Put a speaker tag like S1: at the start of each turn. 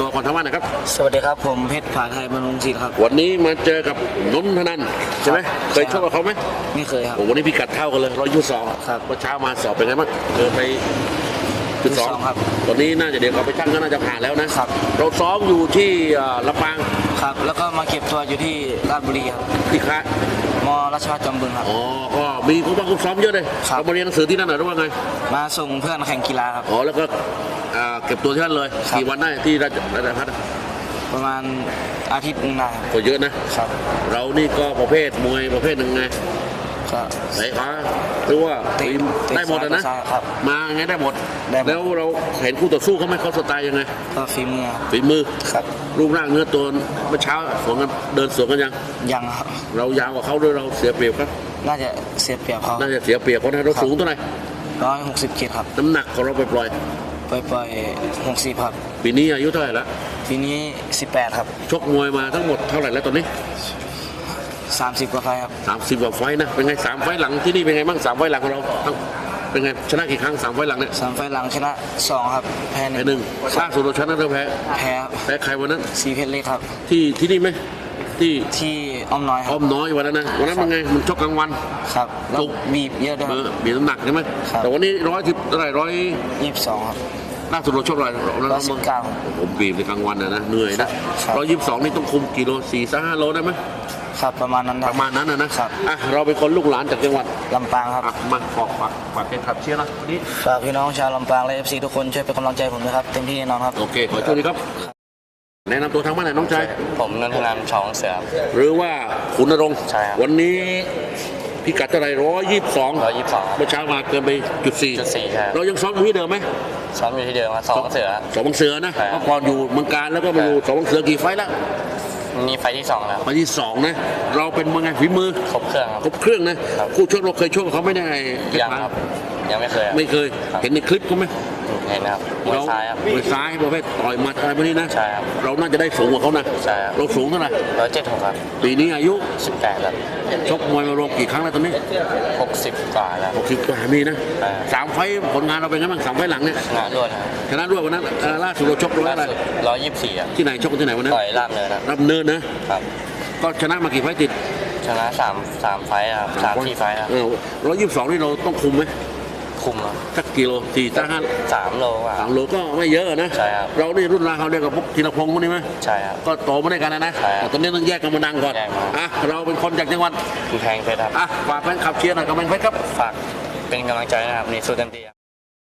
S1: ตัวก่อนทำว่านะครับ
S2: สวัสดีครับผมเพชรผาไทยบำรุงศิลป์ครับ
S1: วันนี้มาเจอกับนนทนันท์ใช่ไหมเคยชกกับเขาไหม
S2: ไม่เคยครับ
S1: วันนี้พิกัดเท่ากันเลย122
S2: ครับ
S1: เมื่อเช้ามาสอบเป็นไงบ้างไป1.2
S2: ครับ
S1: ตอนนี้น่าจะเดี๋ยวเราไปชั่งก็น่าจะผ่านแล้วนะครับเราซ้อมอยู่ที่ลำปาง
S2: ครับแล้วก็มาเก็บตัวอยู่ที่ราชบุรีครับ
S1: ที่ค่าย
S2: มราชภัฏจอมบึงครับ
S1: อ๋อก็มีผู้บังคับซ้อมเยอะเลยเรามาเรียนหนังสือที่นั่นหรือว่าไง
S2: มาส่งเพื่อนแข่งกีฬาครับ
S1: อ๋อแล้วก็เก็บตัวที่นั่นเลยกี่วันได้ที่ราชภัฏ
S2: ประมาณอาทิตย์นึงนะ
S1: ก็เยอะนะครับเรานี่ก็ประเภทมวยประเภทหนึ่งไงไหนคะหรือว่าได้หมดนะมาไงได้หมดแล้วเราเห็นคู่ต่อสู้เขาไหมเขาสไตล์ยังไง
S2: ก็ฝี
S1: มือ
S2: ครับ
S1: รูปร่างเนื้อตัวเมื่อเช้าสวนกันเดินสวนกัน
S2: ยังครับ
S1: เรายาวกว่าเขาด้วยเราเสียเปรียบครับ
S2: น่าจะเสียเปรียบเขา
S1: น่าจะเสียเปรียบเพราะเราสูงเท่าไหร่
S2: 160 กิโลครับ
S1: น้ำหนักของเราปล่อย
S2: 60ครับ
S1: ปีนี้อายุเท่าไหร่ละ
S2: ปีนี้18ครับ
S1: ชกมวยมาทั้งหมดเท่าไหร่แล้วตอนนี้
S2: 30 กว่าไฟครับ
S1: 30 กว่าไฟนะเป็นไง3 ไฟหลังที่นี่เป็นไงบ้าง3 ไฟหลังของเราเป็นไงชนะกี่ครั้ง3 ไฟหลังเนี่ย
S2: 3 ไฟหลังชนะ2ครับแพ้1
S1: ล่าสุดเราชนะเราแพ้ใครวันนั้น
S2: สีเพชรเล็กครับ
S1: ที่นี่ไหม
S2: ที่อ้อมน้อยครับ
S1: อ้อมน้อยวันนั้นนะวันนั้นมันไงมันชกกลางวัน
S2: ครับแล้วบีบเยอะด้วย
S1: บีบน้ำหนักใช่ไหมแต่วันนี้110เท่าไหร่
S2: 122ครับ
S1: ล่าสุดเราชกอะไร
S2: เรา19
S1: ผมบีบในกลางวันนะเหนื่อยนะ122นี่ต้องคุมกิโล4-5 โลได้ไหม
S2: ครับประมาณนั้น
S1: นะครับเราเป็นคนลูกหลานจากจังหวัด
S2: ลำปางครับ
S1: มาฝากเป็นขับเชียร์นะวันนี้
S2: ฝากพี่น้องชาวลำปางและ FC ทุกคนช่วยเป็นกำลังใจผมนะครับเต็มที่แน่นอนครับ
S1: โอเคขอโชคดีครับแนะนำตัวทางบ้านหน่อยน้องชาย
S2: ผมนนทนันท์ ชองเสือ
S1: หรือว่าขุนนรงค์
S2: ใช่ครับ
S1: วันนี้พิกัดเท่าไหร่122เมื่อเช้ามาเกินไป
S2: 4.4ใช่
S1: เรายังซ้อมอยู่ที่เดิมไหม
S2: ซ้อมอยู่ที่เดิมสองเสือ
S1: นะเมื่อก่อนอยู่เมืองการแล้วก็มาอยู่2 เสือกี่ไฟแล้ว
S2: นี่ไฟที่2แล้ว
S1: ไฟที่2นะเราเป็นมือไงฝีมือ
S2: ครบเค
S1: รื่องนะคู่ชกเราเคยชกเขาไม่ได้
S2: ยังไม่เคย
S1: เห็นในคลิปเขาไหม
S2: เห็นครับมวยซ้ายครับ
S1: มวยซ้ายประเภทต่อยหมัดอะไรพวกนี้นะ
S2: ใช่ครับ
S1: เราน่าจะได้สูงกว่าเขานะ
S2: ใช่ครับ
S1: เราสูงเท่าไหร่
S2: 176ครับ
S1: ปีนี้อายุ
S2: 18ครับ
S1: ชกมวยมารวมกี่ครั้งแล้วตอนนี้
S2: 60 กว่าแล้ว
S1: 60 กว่ามีนะ3 ไฟผลงานเราเป็นไงบ้าง3 ไฟหลังเนี่ย
S2: ชนะด้วย
S1: วันนั้นล่าสุดเราชกอะไร
S2: 124
S1: ที่ไหนชกที่ไหนวันนั้น
S2: ต่อยราบเ
S1: นินนะครับก็ชนะมากี่ไฟติด
S2: ชนะ3 ไฟครับ3-4 ไฟครับ
S1: 122นี่เราต้องคุมไหม
S2: คุม
S1: สักกิโล
S2: 3 โล
S1: 3 โลก็ไม่เยอะนะ
S2: ใช่ครับ
S1: เรานี่รุ่นราวเขาเรียกกับพวกธีรพงศ์พวกนี้ไหม
S2: ใช่ครับ
S1: ก็โตมาด้วยกันนะแต่ตอนนี้ต้องแยกกันมาดังก่อนเราเป็นคนจากจังหวัด
S2: กำแพงเพชรครับ
S1: ฝากแฟนขับเชียร์หน่อยกำแพงเพชรครับ
S2: ฝากเป็นกำลังใจนะครับนี่สู้เต็มที่